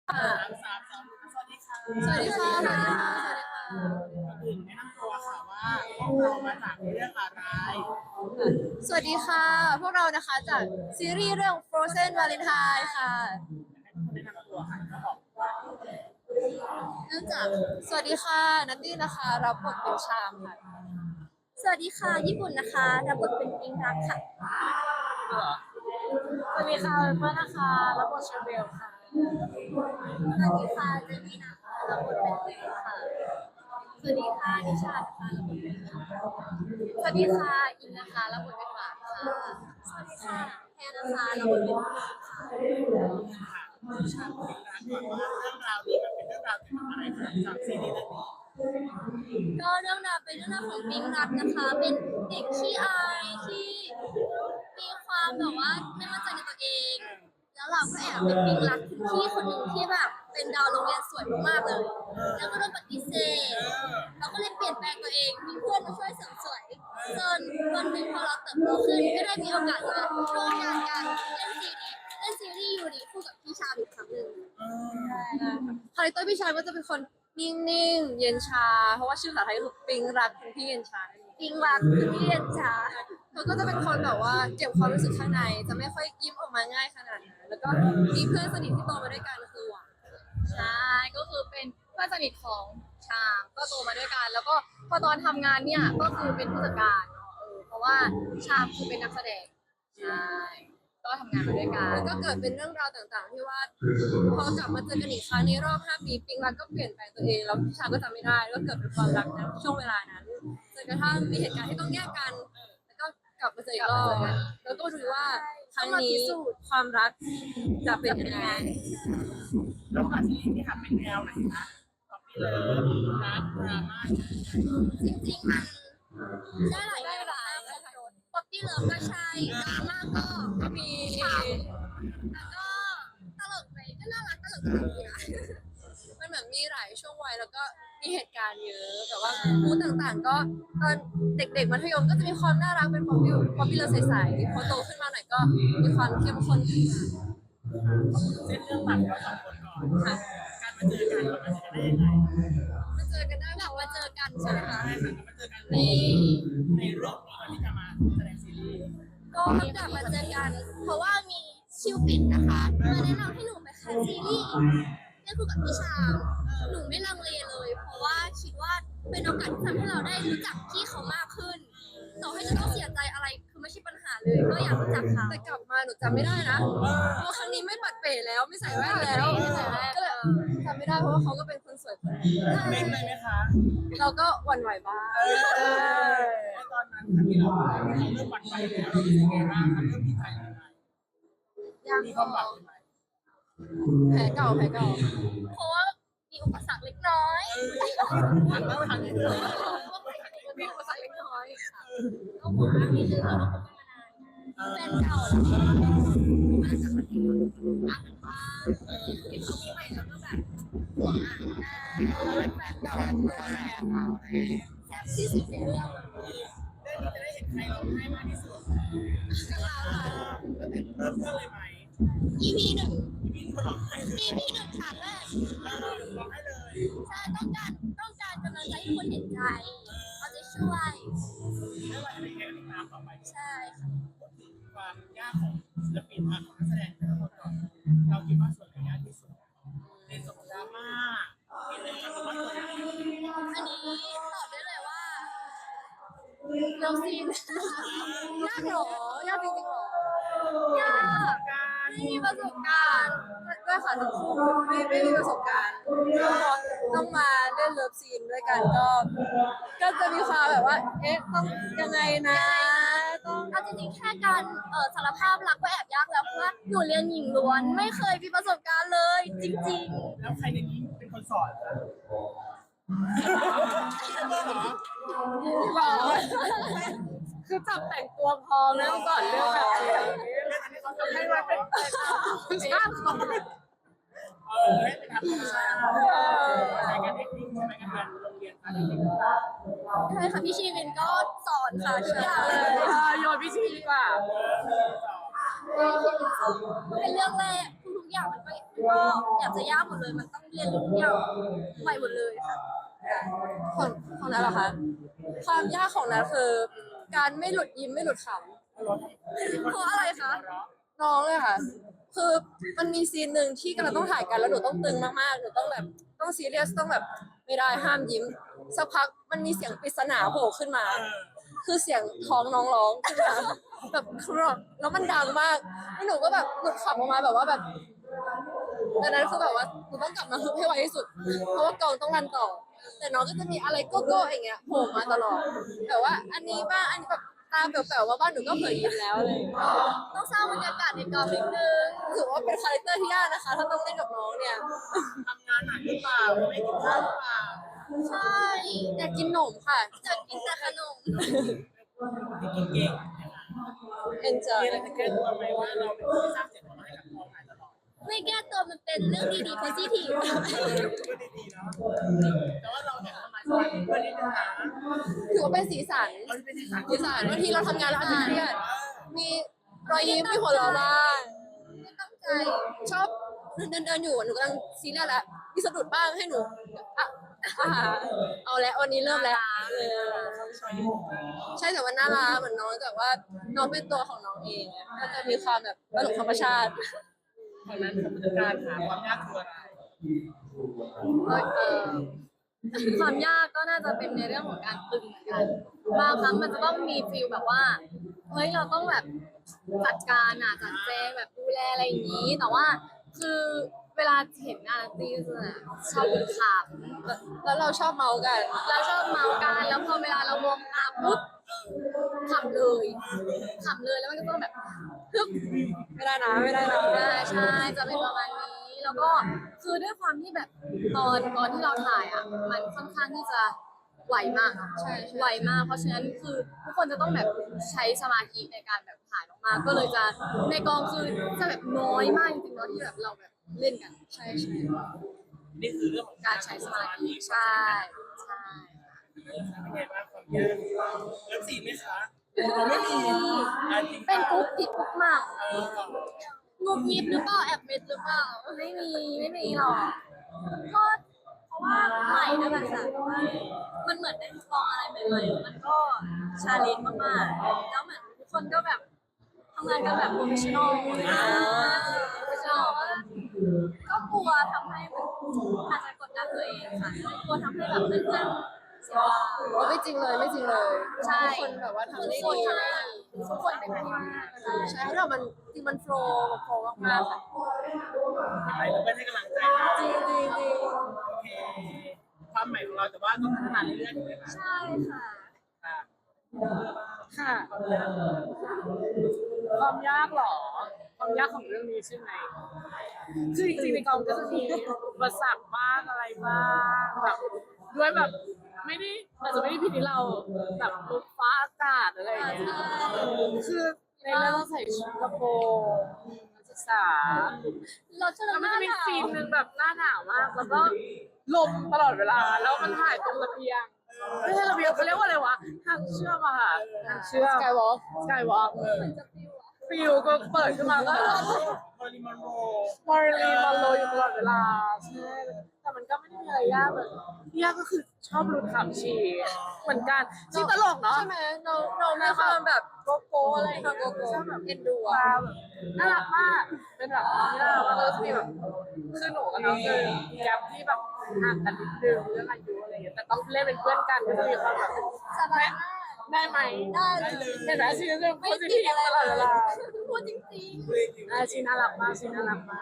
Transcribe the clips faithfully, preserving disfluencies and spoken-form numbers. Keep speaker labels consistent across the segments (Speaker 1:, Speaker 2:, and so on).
Speaker 1: สามสามสองสวัสดีค่ะ
Speaker 2: สวัสดีค่ะสวัสดีค่ะ
Speaker 1: ก่อนอื่นแนะนำตัวค่ะว่าพวกเรามาจากเรื่องอะไร
Speaker 2: สวัสดีค่ะ พวกเรานะคะจากซีรีส์เรื่อง Frozen Valentine ค่ะ
Speaker 1: แนะนำตัวค่ะก็บอกว่า
Speaker 2: เนื่องจากสวัสดีค่ะนัตตี้นะคะรับบทเป็นชามค่ะสวัสดีค่ะญี่ปุ่นนะคะรับบทเป็นปิงรักค่ะสวัสดีค่ะเพื่อนนะคะรับบทเชอร์เบลค่ะสวัสดีค่ะเจนนี่นะคะรับบทเป็นเบลค่ะสวัสดีค่ะนิชานะคะรับบทเป็นค่ะสวัสดีค่ะอินนะคะรับบทเป็นหวานค่ะสวัสดีค่ะแพนนะคะรับบทเป็นค่ะ
Speaker 1: ค่ะชาติเป็นรักก่อนว่าเรื่องราวนี้มันเป็นเรื่องราวเกี่ยวกับอะไรคะจากซีรีส์เรื่องนี้
Speaker 2: ก็เรื่องราวเป็นเรื่องราวของปิงรักนะคะเป็นเด็กขี้อายที่มีความแบบว่าไม่มั่นใจในตัวเองแล้วเราก็แอบเป็นปิงรักคุณพี่คนหนึ่งที่แบบเป็นดาวโรงเรียนสวยมากๆเลยแล้วก็โดนปฏิเสธเราก็เลยเปลี่ยนแปลงตัวเองมีเพื่อนมาช่วยเสริมสวยจนวันหนึ่งพอเราเติบโตขึ้นก็ได้มีโอกาสมาร่วมงานกันเล่นซีรีส์เล่นซีรีส์ยูริคู่กับพี่ชาอีกครั้งหนึ่ง คาแรคเตอร์พี่ชายก็จะเป็นคนนิ่งๆเย็นชาเพราะว่าชื่อภาษาไทยคือปิงรักคุณพี่เย็นชาปิงรักคุณพี่เย็นชาเขาก็จะเป็นคนแบบว่าเก็บความรู้สึกข้างในจะไม่ค่อยยิ้มออกมาง่ายขนาดนั้นแล้วก็มีเพื่อนสนิทที่โตมาด้วยกันคือหวานใช่ก็คือเป็นเพื่อนสนิทของชามก็โตมาด้วยกันแล้วก็พอตอนทำงานเนี่ยก็คือเป็นผู้จัดการเนาะเออเพราะว่าชามคือเป็นนักแสดงใช่ก็ทำงานมาด้วยกันแล้วก็เกิดเป็นเรื่องราวต่างๆที่ว่า พอกลับมาเจอกันอีกครั้งในรอบห้าปีปิงรักก็เปลี่ยนแปลงตัวเองแล้วพี่ชายก็จำไม่ได้ก็เกิดเป็นความรักนะช่วงเวลานั้นจนกระทั่งมีเหตุการณ์ที่ต้องแยกกันแล้วก็กลับมาเจออีกรอบแล้วก็ดูว่าครั้งนี้ความรักจะเป็นยังไง
Speaker 1: แล้วก็ซีรีส์ที่ทำเป็นแนวไหนคะป๊อปปี้เลิฟรักดราม่า
Speaker 2: จริงๆมันได้หลายได้หลายป๊อปปี้เลิฟก็ใช่ดราม่าก็ก็มีแล้วก็ตลกไปก็น่ารักตลกดีค่ะมันเหมือนมีหลายช่วงวัยแล้วก็มีเหตุการณ์เยอะแต่ว่าพูดต่างๆก็ตอนเด็กๆมัธยมก็จะมีความน่ารักเป็นป๊อปปี้ป๊อปปี้เลิฟใสๆพอโตขึ้นมาหน่อยก็มีความเข้มข้นขึ้นมา
Speaker 1: เส้นเรื่องหลักเราสองคนก่อน
Speaker 2: ค่ะ
Speaker 1: การมาเจอกันเรามาเจอกันได้ยังไง
Speaker 2: มาเจอกันได้แบบว่าเจอกันใช่ไหมคะ
Speaker 1: ใช่ค่ะมาเจอกันในในเรื่องนี้ก่อนที่จะมาแสดงซีรีส์
Speaker 2: ก็กลับมาเจอกันเพราะว่ามีชิวปิดนะคะมาแนะนำให้หนูไปแคสซีรีส์เล่นคู่กับพี่ชามหนูไม่ลังเลเลย เพราะว่าคิดว่าเป็นโอกาสที่ทำให้เราได้รู้จักพี่เขามากขึ้นต่อให้จะต้องเสียใจอะไรคือไม่ใช่ปัญหาเลยก็อยากรู้จักเขาแต่กลับมาหนูจำไม่ได้นะเพราะครั้งนี้ไม่ปัดเป๋แล้วไม่ใส่แว่นแล้วก็เลยจำไม่ได้เพราะว่าเขาก็เป็นคนสวยคนนึง
Speaker 1: เล่นเลยไหมคะ
Speaker 2: เราก็หวั่นไหวบ้าง
Speaker 1: ตอนนั้นที่เราเราเริ่มหวั่นไหวแล้วเรารู้สึกไงบ้างเริ่มดีใจยังไงมีความหวังไหม
Speaker 2: แผลเก่าแผลเก่าเพราะว่ามีอุปสรรคเล็กน้อย
Speaker 1: หันมาทางนี้เลย
Speaker 2: มีอุปสรรคเล็กน้อยค่ะก็หวังนิดนึงเราก็คบกันมานานแฟนเก่าแล้วก็มาจากประเทศอ่างทองเห็นเขามีใหม่แล้วก็แบบหวงอ่ะแฟนเก่าแซ่บที่สุดในเรื่อง
Speaker 1: เรื่องนี้จะได้เห็นใครร้องไห้มากที่สุด
Speaker 2: กับเราค่ะ
Speaker 1: เริ่มเรื่องเลยไหม
Speaker 2: อี พี หนึ่ง
Speaker 1: พี่ก็ร้องไห้เลย
Speaker 2: อี พี หนึ่งฉากแรก
Speaker 1: ร้องไห้เลย
Speaker 2: ใช่ต้องการต้องการกำลังใจให้คนเห็นใจเขาจะช่วย
Speaker 1: ไม่ว่าจะเป็นยังไงติดตามต่อไป
Speaker 2: ใช่ค่ะ
Speaker 1: ความยากของศิลปินของนักแสดงแต่ละคนก่อนเราคิดว่าส่วนไหนยากที่สุดในส่วนของดราม่าในเรื่องของว่าส่วนไหน
Speaker 2: อันนี้ตอบได้เลยว่าเลิฟซีนยากหรอยากจริงๆหรอยากไม่มีประสบการณ์ด้วยค่ะทั้งคู่ไม่ไม่มีประสบการณ์ก็ต้องมาเล่นเลิฟซีนด้วยกันก็ก็จะมีความแบบว่าเอ๊ะต้องยังไงนะต้องเอาจริงๆแค่การเอ่อสารภาพรักก็แอบยากแล้วเพราะว่าหนูเรียนหญิงล้วนไม่เคยมีประสบการณ์เลยจริงๆ
Speaker 1: แล้วใครในนี้เป็นคนสอนคะ
Speaker 2: หรอคือจับแต่งตัวพร้อมแล้วก่อนเรื่องแบบนี้
Speaker 1: เขาจะให้มาเป็น
Speaker 2: ชาติเขา
Speaker 1: เออให้เป็นธรรมชาติใช้การเทคนิคใช่ไหมการโรงเรียนการเทคนิค
Speaker 2: ใช่ค่ะพี่ชีวินก็สอนค่ะทุกอย่างเลยโยนพี่ชีวินดีกว่าเป็นเรื่องแรกทุกๆอย่างมันก็ก็อยากจะยากหมดเลยมันต้องเรียนรู้ทุกอย่างใหม่หมดเลยค่ะ
Speaker 3: ของของนัทเหรอคะความยากของนัทคือการไม่หลุดยิ้มไม่หลุดข
Speaker 2: เพราะอะไรคะ
Speaker 3: ำน้องเลยค่ะ คือมันมีซีนหนึ่งที่กำลังต้องถ่ายกันแล้วหนูต้องตึงมากๆหนูต้องแบบต้องซีเรียสต้องแบบไม่ได้ห้ามยิ้มสักพักมันมีเสียงปริศนาโผล่ขึ้นมา คือเสียงท้องน้องร้องขึ้นมาแบบครอกแล้วมันดังมากแล้วหนูก็แบบหลุดขำออกมาแบบว่าแบบดังนั้นคือแบบว่าหนูต้องกลับมาฮึบให้ไวที่สุด เพราะว่ากองต้องรันต่อ แต่น้องก็จะมีอะไรโก้โก้อย่างเงี้ยโผล่มาตลอดแต่ว่าอันนี้บ้างอันนี้แบบตาแป๋วๆว่าบ้านหนูก็เผยยิ้มแล้วเลย
Speaker 2: ต้องสร้างบรรยากาศในกองนิดนึง
Speaker 3: ถือว่าเป็นคาแรคเตอร์ที่ยากนะคะ ถ้าต้องเล่นกับน้องเนี่ย
Speaker 1: ทำงานหนักหรือเปล่าไม่กินข้าวหรือเปล่า
Speaker 2: ใช่
Speaker 3: อยากกินหนมค่ะ
Speaker 2: จะกินแต่ขนม
Speaker 1: ที่กินเก่ง
Speaker 3: enjoy
Speaker 1: มีอะไรจะแก้ตัวไหมว่าเราเป็นคนที่สร้างเสียงหัวเราะให้กับกองถ่ายตลอด
Speaker 2: ไม่แก้ตัวมันเป็นเรื่องดีๆ positive
Speaker 1: เออก็ดีๆเนาะแต่ว่าเราเนี่ยทำไมสมาธิเพื่อที่จะหา
Speaker 3: ถือว่าเป็นสีสัน
Speaker 1: เราเป็นที่สาม
Speaker 3: สีสันบางทีเราทำงานแล้วอาจจะเครียดมีรอยยิ้มมีหัวเราะบ้าง
Speaker 2: ไม่ตั้งใจ
Speaker 3: ชอบเดินเดินเดินอยู่หนูกำลังซีเรียสแล้วมีสะดุดบ้างให้หนูอ่ะอ่ะเอาแล้ววันนี้เริ่มแล้วเออใช่แต่ว่าน่ารักเหมือนน้องแต่ว่าน้องเป็นตัวของน้องเองอะก็จะมีความแบบตลกธรรมชาติ
Speaker 1: เพราะนั้นการหาความยากคืออะไร
Speaker 2: เออความยากก็น่าจะเป็นในเรื่องของการตึงเหมือนกันบางครั้งมันจะต้องมีฟีลแบบว่าเฮ้ยเราต้องแบบจัดการอ่ะจัดแจงแบบดูแลอะไรอย่างนี้ แต่ว่าคือเวลาเห็นงานตีสน่ะชอบดูข่าว
Speaker 3: แล้วเราชอบเมาส์กัน
Speaker 2: เราชอบเมาส์กันแล้วพอเวลาเรามองตาปุ๊บขำเลยขำเลยแล้วมันก็ต้องแบบฮึบ
Speaker 3: ไม่ได้นะไม่ได้นะ
Speaker 2: ใช่ใช่จะเป็นประมาณนี้แล้วก็คือด้วยความที่แบบตอนตอนที่เราถ่ายอ่ะมันค่อนข้างที่จะไหวมากใช่ไหวมากเพราะฉะนั้นคือทุกคนจะต้องแบบใช้สมาธิในการแบบถ่ายออกมาก็เลยจะในกองคือจะแบบน้อยมากจริงๆเนาะที่แบบเราแบบเล่นกันใช่ใช่
Speaker 1: นี่คือเรื่องของ
Speaker 2: การใช้สมาธิใช่ใช่
Speaker 1: เป็นไงบ้างความยากเริ่มสี่ไหมคะเราไม่มีอ่ะจริง
Speaker 2: เป็นกุ๊กกิ๊กกุ๊กมาก
Speaker 1: เออก่อน
Speaker 2: งุบยิบหรือเปล่าแอบเม็ดหรือเปล่าไม่มีไม่มีหรอกก็เพราะว่าใหม่นั่นแหละค่ะมันเหมือนได้ลองอะไรใหม่ๆมันก็ชาเลนจ์มากๆแล้วเหมือนทุกคนก็แบบทำงานกันแบบโปรเฟชชั่นอลเลยนะโปรเฟชชั่นอลก็กลัวทำให้แบบอาจจะกดดันตัวเองค่ะกลัวทำให้แบบเพื่อนๆเสียเวลา
Speaker 3: ไม่จริงเลยไม่จริงเลย
Speaker 2: ใช่
Speaker 3: ทุกคนแบบว่าทำได้
Speaker 2: ทุกคน
Speaker 3: ดี
Speaker 2: ทำได้ดีทุกคนเป็นที่มากใช่
Speaker 3: ใช่แล้วมันจริงมันโฟล์โฟล์มากๆค่ะ
Speaker 1: ไปเพื่อนให้กำลังใจนะ
Speaker 3: จริงจริงจริง
Speaker 1: โอเคความใหม่ของเราแต่ว่าต้องพัฒนาเรื่อยๆถูกไหมคะ
Speaker 2: ใช่ค่ะ
Speaker 1: ค่ะ
Speaker 4: ค่ะ ความยากเหรอ ความยากของเรื่องนี้ใช่ไหมคือจริงๆในกองก็จะมีอุปสรรคบ้างอะไรบ้างแบบด้วยแบบไม่ได้อาจจะไม่ได้ผิดที่เราแบบลมฟ้าอากาศอะไรอย่างเงี้ยคือในเรื่องต้องใส่ชุดกระโปรงนักศึกษา
Speaker 2: เราจะ
Speaker 4: แล้วมันจะมีซีนหนึ่งแบบหน้าหนาวมาก แล้วก็ลมตลอดเวลา แล้วมันถ่ายตรงระเบียงไม่ใช่ระเบียงเขาเรียกว่าอะไรวะทางเชื่อมอะค่ะทางเชื่อม
Speaker 3: สกายวอล์ก
Speaker 4: สกายวอล์ก
Speaker 2: จะฟิวอะ
Speaker 4: ฟิวก็เปิดขึ้นมาก็
Speaker 1: มอริมอนโร
Speaker 4: มอร์ลีมอลโลอยู่ตลอดเวลาใช่แต่มันก็ไม่ได้มีอะไรยากเลยที่ยากก็คือชอบรุดขำชีเหมือนกันชีตลกเนาะ
Speaker 3: ใช่ไหมน้องน้องมีความแบบโกโก้อะไรอย่างเงี้ยโกโก้แบบเอ็นดู
Speaker 4: ตา
Speaker 3: อะ
Speaker 4: แบบน่ารักมากเป็นแบบน้องที่น่ารักมากแล้วก็จะมีแบบคือหนูกับน้องคือมีแกปที่แบบห่างกันนิดนึงเรื่องอายุอะไรอย่างเงี้ยแต่ต้องเล่นเป็นเพื่อนกันก็จะมีความแบบ
Speaker 2: สบายมาก
Speaker 4: ได้ไหม
Speaker 2: ได้เลย
Speaker 4: เห็นไหมชีเรื่องโพ
Speaker 2: ไม่
Speaker 4: สิ
Speaker 2: ติ
Speaker 4: ที
Speaker 2: ด
Speaker 4: ฟ
Speaker 2: อะไร
Speaker 4: ตลอดเวลา
Speaker 2: พูดจริง
Speaker 4: อ่าชีน่ารักมากชีน่ารักมาก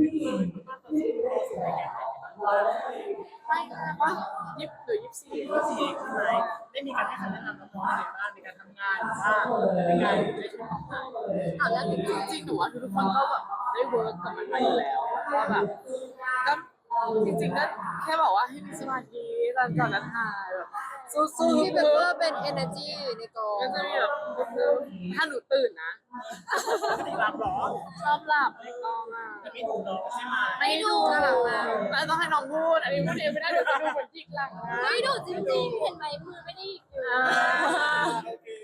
Speaker 4: ไม่ว่ายี่สิบหรือยี่สิบสี่
Speaker 1: ก็สี่ใช่ไหมได้มีการให้คำแนะนำน้องๆอะไรบ้างในการทำงานหรือว่าในการใช้ชีวิตของเรา
Speaker 2: ๆเอาแล้วจริง
Speaker 4: จริงๆหนูว่าทุกคนก็แบบได้เวิร์กกับมันมาอยู่แล้วว่าแบบก็จริงๆก็แค่บอกว่าให้มีสมาธิตอนก่อนนั้นถ่ายแบบสู้ๆ
Speaker 3: ที่แบบว่าเป็น energy ในกอง
Speaker 4: ก็จะมีแบบถ้าหนูตื่นนะ
Speaker 1: ปกติรับหรอ
Speaker 4: ชอบหลับในกองอ่ะ
Speaker 1: จะไม่ถูกน้องใช่ไหม
Speaker 4: ไม่ดูน่ารักมากแล้วต้องให้น้องพูดอันนี้พูดเองไม่ได้เดี๋ยวจะดูเหมือนจิกหลังนะ
Speaker 2: ๆไม่ดูจริงๆ เห็นไหมมือไม่ได้อยู่
Speaker 4: อ่า
Speaker 1: โอเค
Speaker 4: ได้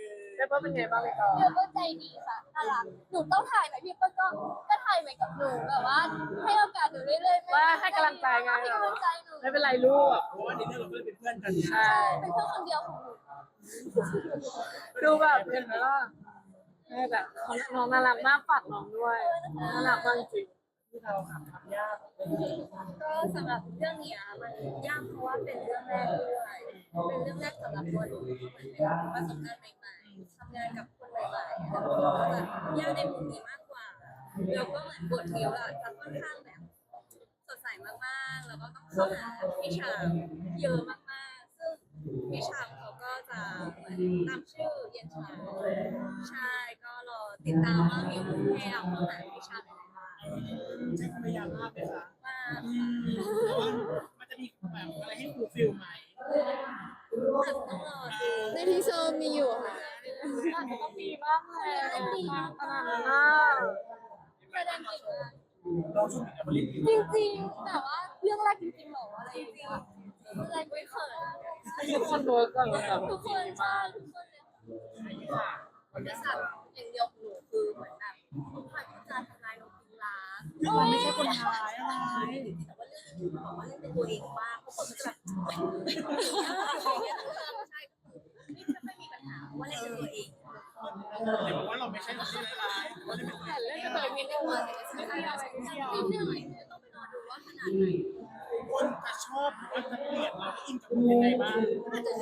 Speaker 4: เปิ้ลเป็นไงบ้างในกอง
Speaker 2: พี่เปิ้ลใจดีค่ะน่ารักหนูต้องถ่ายไหมพี่เปิ้ลก็ก็ถ่ายเหมือนกับหนูแบบว่าให้โอกาสหนูเรื่อยๆไม่
Speaker 4: ว่าให้กำลังใจไง
Speaker 2: ให้กำลังใจหนู
Speaker 4: ไม่เป็นไรลูก
Speaker 1: เพราะว่าในเรื่องเราก็เลยเป็นเพื่อนกัน
Speaker 4: ใช่
Speaker 2: เป็นเพื่อนคนเดียวของหนู
Speaker 4: ดูแบบเห็นไหมล่ะแม่แบบน้องน่ารักมากฝากน้องด้วยน่ารักมากจริง
Speaker 1: ที่เราทำทำยาก
Speaker 2: ก็สำหรับเรื่องเนี้ยมันยากเพราะว่าเป็นเรื่องแรกด้วยเป็นเรื่องแรกสำหรับตัวหนูเหมือนเป็นประสบการณ์ใหม่ๆทำงานกับคนใหม่ๆแล้วก็จะยากในมุมนี้มากกว่าแล้วก็เหมือนบทเดียวอะจะค่อนข้างแบบสดใสมากๆแล้วก็ต้องเข้าหาพี่ชามเยอะมากๆซึ่งพี่ชามเขาก็จะเหมือนตามชื่อเย็นชาใช่ก็รอติดตามว่ามิวให้เอาเข้าหาพี่ชามยังไงบ้าง
Speaker 1: ใช้ความพยายามมากเลยค่ะ
Speaker 2: มาก
Speaker 1: แต่ว่ามันจะมีแบบอะไรให้ฟูลฟิลไหม
Speaker 2: อาจจะต้องรอดู
Speaker 3: ในทีเซอร์มีอยู่ค่ะ
Speaker 4: ๆน่าจะต้องมีบ้างแหละขนาดนั้นนะ
Speaker 2: แสดงเก่งมาก
Speaker 1: เราช่วยกันผลิต
Speaker 2: จริงๆแต่ว่าเรื่องแรกจริงๆหรออะไรจริงๆเรื่องแรกไม่เขินอะ
Speaker 4: ทุกคนเวิร์กกันแบบ
Speaker 2: ทุกคนใช่ทุกคนเลยค่ะคนที่สั่งอย่างเดียวของหนูคือเหมือนแบบผ่านการทำลายนกพิราบ
Speaker 1: เราไม่ใช่คนร้ายอะไร
Speaker 2: แต่ว่าเรื่องนี้บอกว่าเล่นเป็นตัวเองมากทุกคนมันจะแบบอย่างเงี้ยใช่ก็คือไม่ไม่มีปัญหาว่าเล่นเป็นตัวเอง
Speaker 1: แต่บอกว่าเราไม่ใช่คนที่ร้ายเราไม่เป็น
Speaker 4: แต่เล่นกันเลยมี
Speaker 2: นิด
Speaker 4: เรื่อง
Speaker 2: นึง
Speaker 4: อะไร
Speaker 2: นิดนึงนิดนึงต้องไปรอดูว่าขนาดไหน
Speaker 1: คนจะชอบหรือว่าจะเกลียดเราอินกับมันยังไงบ้าง
Speaker 2: อาจจะ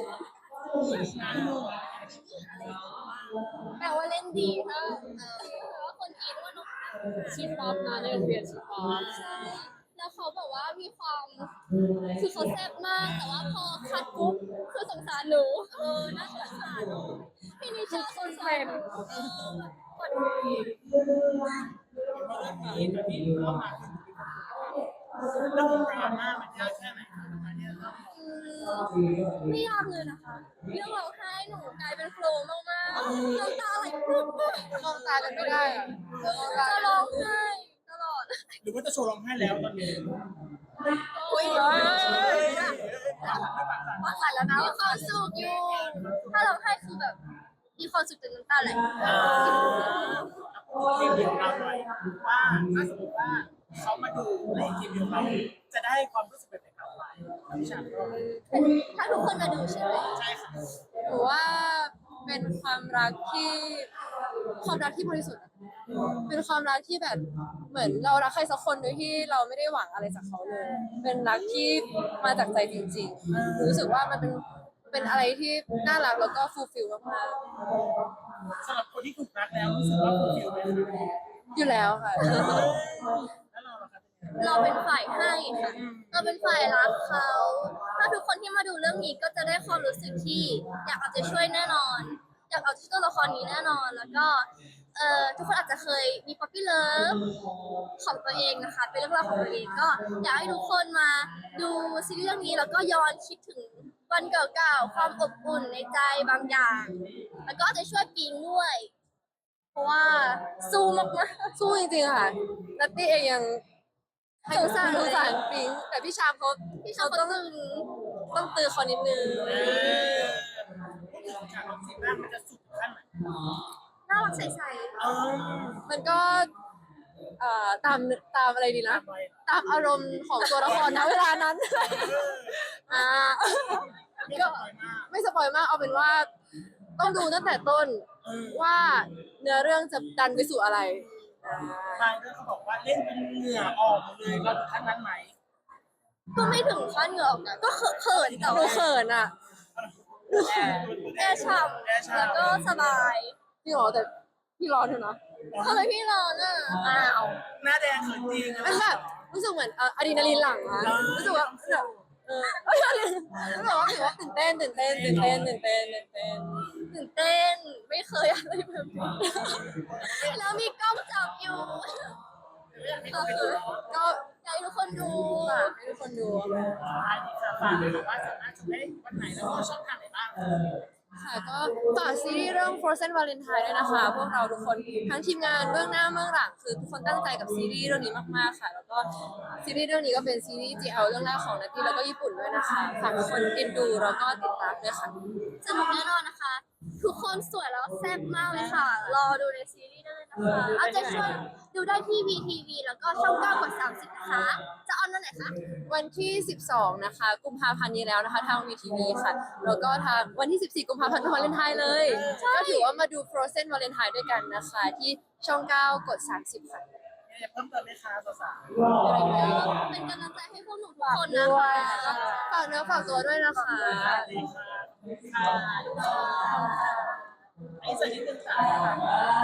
Speaker 2: แปลว่าเล่นดีถ้าเออว่าคนอินว่านก
Speaker 4: ชีพป๊อปนะในโรงเรียนชีพป๊อป
Speaker 2: ใช่แล้วเขาบอกว่ามีความคือเขาแซ่บมากแต่ว่าพอคัดปุ๊บคือสงสารหนูเออน่าสงสารพี่นิชาสงสารเออคน
Speaker 1: เพราะเรื่องนี้ตอนนี้เข้ามาคือเรื่องดราม่ามันยากแค่ไหนคะเนี่ย
Speaker 2: ไม่ยากเลยนะคะ เรื่องร้องไห้หนูกลายเป็นโฟล์มากๆน้ำตาไหลปุ๊บ
Speaker 3: มองตากันไม่ได้อะ
Speaker 2: จะร้องไห้ตลอด
Speaker 1: หรือว่าจะโชว์ร้องไห้แล้วตอนนี้
Speaker 2: อุ้ยปากสั่นแล้วนะมีความสุขอยู่ ถ้าร้องไห้คือแบบ มีความสุขจนน้ำตาไหล
Speaker 1: ทีมเดียวเราหน่อยว่าถ้าสมมติว่าเขามาดูในทีมเดียวเราจะได้ความรู้สึกแบบไหนกลับไปพี่ชาก็
Speaker 2: ถ้าทุกคนมาดูใช่ไหม
Speaker 1: ใช่ค่ะ
Speaker 3: หรือว่าเป็นความรักที่ความรักที่บริสุทธิ์อะเป็นความรักที่แบบเหมือนเรารักใครสักคนโดยที่เราไม่ได้หวังอะไรจากเขาเลย เป็นรักที่มาจากใจจริงๆรู้สึกว่ามันเป็นเป็นอะไรที่น่ารักแล้วก็ฟูลฟิลมาก
Speaker 1: สำหรับคนที่ถูกรักแล้วรู้สึกว่าฟูลฟิลไหมคะ
Speaker 3: ๆอยู่แล้วค่ะ
Speaker 1: แล้วเราล่ะคะ
Speaker 2: เราเป็นฝ่ายให้ค่ะ เราเป็นฝ่ายรักเขา ถ้าทุกคนที่มาดูเรื่องนี้ก็จะได้ความรู้สึกที่อยากเอาใจช่วยแน่นอน อยากเอาใจช่วยตัวละครนี้แน่นอน แล้วก็เอ่อทุกคนอาจจะเคยมีป๊อปปี้เลิฟของตัวเองนะคะ เป็นเรื่องราวของตัวเองก็อยากให้ทุกคนมาดูซีรีส์เรื่องนี้แล้วก็ย้อนคิดถึงวันเก่าๆ ความอบอุ่นในใจบางอย่าง แล้วก็เอาใจช่วยปิงด้วย เพราะว่าสู้มากๆ
Speaker 3: สู้จริงๆค่ะนัตตี้เองยังให้
Speaker 2: สงสาร
Speaker 3: สงสารปิงแต่พี่ชามเขา
Speaker 2: พี่ชาย
Speaker 3: เขา
Speaker 2: ต้
Speaker 3: ต้
Speaker 2: อ
Speaker 3: อง ง
Speaker 2: ตึง
Speaker 3: ต้องตือเขานิดนึง
Speaker 1: เออจากของซีรีส์มันจะสุดขั้นไหน
Speaker 2: น่ารักใส
Speaker 1: เออ
Speaker 3: มันก็เอ่อตามตามอะไรดีนะ
Speaker 1: ตามไว้
Speaker 3: ตามอารมณ์ของตัวละครณเวลานั้น อ่า
Speaker 1: ไม่ก็อยมาก
Speaker 3: ไม่สปอยมากเอาเป็นว่า ต้องดูตั้งแต่ต้น
Speaker 1: เออ
Speaker 3: ว่าเนื้อเรื่องจะดันไปสู่อะไร
Speaker 1: บางเรื่องเขาบอกว่าเล่นจนเหงื่อออกหมดเลยเราถึงขั้นนั้นไหม
Speaker 2: ๆก็ไม่ถึงขั้นเหงื่อออกนะก็เขินๆแต่
Speaker 3: หนู
Speaker 2: ว่า
Speaker 3: เขินอ่ะ
Speaker 2: แอร์ฉ่
Speaker 1: แอร์
Speaker 2: ำ
Speaker 1: ฉ่ำ
Speaker 2: แล้วก็สบาย
Speaker 3: พี่หรอแต่พี่ร้อนเถอะนะ
Speaker 2: ทำไมพี่ร้อนอ่ะอ้าว
Speaker 1: หน้าแดงเขินจริง
Speaker 3: มันแบบรู้สึกเหมือนเอ่ออะดรีนาลีนหลั่งอะรู้สึกว่าแบบเออเอ้ยอะไรรู้สึกว่ารู้สึกว่าตื่นเต้นตื่นเต้นตื่นเต้นตื่นเต้นตื่นเต้น
Speaker 2: ตื่นเต้นไม่เคยอะไรแบบนี้แล้วมีกล้องจับอยู่
Speaker 1: ก็คือ
Speaker 3: ก็
Speaker 2: อยากให้ทุกคนดู
Speaker 3: ฝากให้ทุกคนดู
Speaker 1: ท้ายนี้ค่ะฝากเลยค่ะว่าสามารถชมได้วันไหนแล้วก็ช่องทางไหนบ้าง
Speaker 3: ค่ะก็ฝากซีรีส์เรื่อง Frozen Valentine ด้วยนะคะ พวกเราทุกคนทั้งทีมงานเบื้องหน้าเบื้องหลังคือทุกคนตั้งใจกับซีรีส์เรื่องนี้มากๆค่ะ แล้วก็ซีรีส์เรื่องนี้ก็เป็นซีรีส์ จี แอล เรื่องแรกของนัตตี้แล้วก็ญี่ปุ่นด้วยนะคะฝากทุกคนเอ็นดูแล้วก็ติดตามด้วยค่ะ
Speaker 2: สนุกแน่นอนนะคะทุกคนสวยแล้วแซ่บมากเลยค่ะ รอดูในซีรีส์ได้เลยนะคะเอาใจช่วยดูได้ที่ วี ที วี แล้วก็ช่องเก้ากดสามสิบนะคะ จะออนวันไหนคะ
Speaker 3: วันที่ สิบสอง นะคะ กุมภาพันธ์นี้แล้วนะคะ ทาง วี ที วี ค่ะ แล้วก็ทางวันที่ สิบสี่ กุมภาพันธ์วาเลนไทน์เลย ก็ถือว่ามาดู Frozen วาเลนไทน์ด้วยกันนะคะ ที่ช่อง เก้ากดสามสิบ ค่ะ
Speaker 1: มีอะไรเพิ่มเติมไหมคะสาว
Speaker 2: เป็นกำลังใจให้พวกหนูทุกคนนะคะ
Speaker 3: ฝากเนื้อฝากตัวด้วยนะคะ
Speaker 1: ๆสวัสดีค่ะค่ะไอ้สวัสดีคุณสาว